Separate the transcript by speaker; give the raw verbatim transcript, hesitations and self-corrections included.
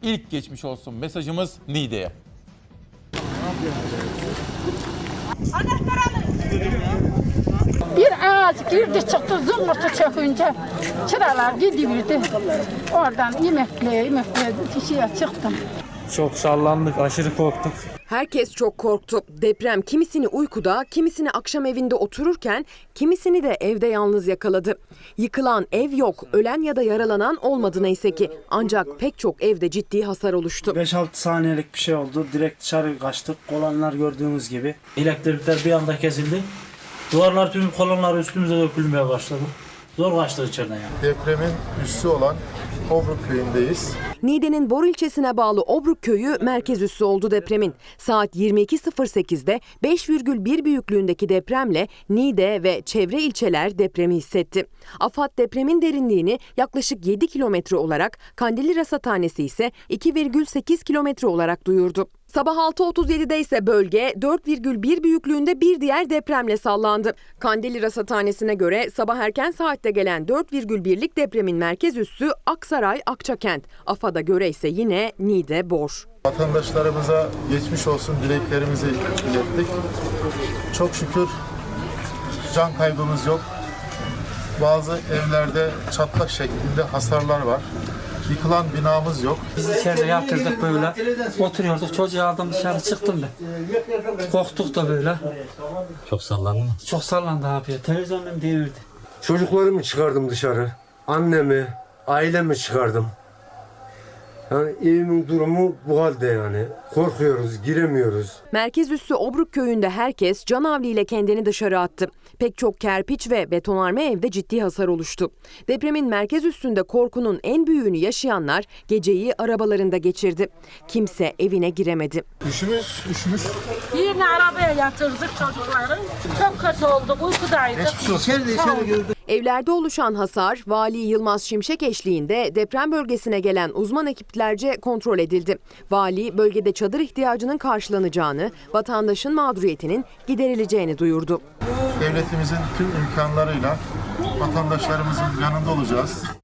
Speaker 1: ilk geçmiş olsun mesajımız Niğde'ye.
Speaker 2: Bir ağaç girdi çıktı zımbırtı çökünce çıralar gidiyordu. Oradan yemekle yemekle kişiye çıktım.
Speaker 3: Çok sallandık, aşırı korktuk.
Speaker 4: Herkes çok korktu. Deprem kimisini uykuda, kimisini akşam evinde otururken, kimisini de evde yalnız yakaladı. Yıkılan ev yok, ölen ya da yaralanan olmadı neyse ki. Ancak pek çok evde ciddi hasar oluştu.
Speaker 3: beş altı saniyelik bir şey oldu. Direkt dışarı kaçtık. Kolonlar gördüğünüz gibi. Elektrikler bir anda kesildi. Duvarlar, tüm kolonlar üstümüze dökülmeye başladı. Zor kaçtık içeriden yani.
Speaker 5: Depremin üssü olan Obruk köyündeyiz.
Speaker 4: Niğde'nin Bor ilçesine bağlı Obruk köyü merkez üssü oldu depremin. Saat yirmi iki sıfır sekizde beş virgül bir büyüklüğündeki depremle Niğde ve çevre ilçeler depremi hissetti. AFAD depremin derinliğini yaklaşık yedi kilometre olarak, Kandilli Rasathanesi ise iki virgül sekiz kilometre olarak duyurdu. Sabah altı otuz yedide ise bölge dört virgül bir büyüklüğünde bir diğer depremle sallandı. Kandilli Rasathanesi'ne göre sabah erken saatte gelen dört virgül birlik depremin merkez üssü Aksaray Akçakent. AFAD'a göre ise yine Niğde Bor.
Speaker 5: Vatandaşlarımıza geçmiş olsun dileklerimizi ilettik. Çok şükür can kaybımız yok. Bazı evlerde çatlak şeklinde hasarlar var. Yıkılan binamız yok.
Speaker 3: Biz içeride yatırdık böyle. Oturuyorduk. Çocuğu aldım, dışarı çıktım ben. Korktuk da böyle.
Speaker 6: Çok sallandı mı?
Speaker 3: Çok sallandı abi. Televizyonum devirdi.
Speaker 7: Çocuklarımı çıkardım dışarı. Annemi, ailemi çıkardım. Yani evimin durumu bu halde yani. Korkuyoruz, giremiyoruz.
Speaker 4: Merkez üssü Obruk köyünde herkes canavliyle kendini dışarı attı. Pek çok kerpiç ve betonarme evde ciddi hasar oluştu. Depremin merkez üssünde korkunun en büyüğünü yaşayanlar geceyi arabalarında geçirdi. Kimse evine giremedi.
Speaker 5: Üşümüş, üşümüş.
Speaker 2: Yine arabaya yatırdık çocukları. Çok kötü olduk, uykudaydık.
Speaker 4: Evlerde oluşan hasar Vali Yılmaz Şimşek eşliğinde deprem bölgesine gelen uzman ekiplerce kontrol edildi. Vali bölgede çadır ihtiyacının karşılanacağını, vatandaşın mağduriyetinin giderileceğini duyurdu.
Speaker 5: Devletimizin tüm imkanlarıyla vatandaşlarımızın yanında olacağız.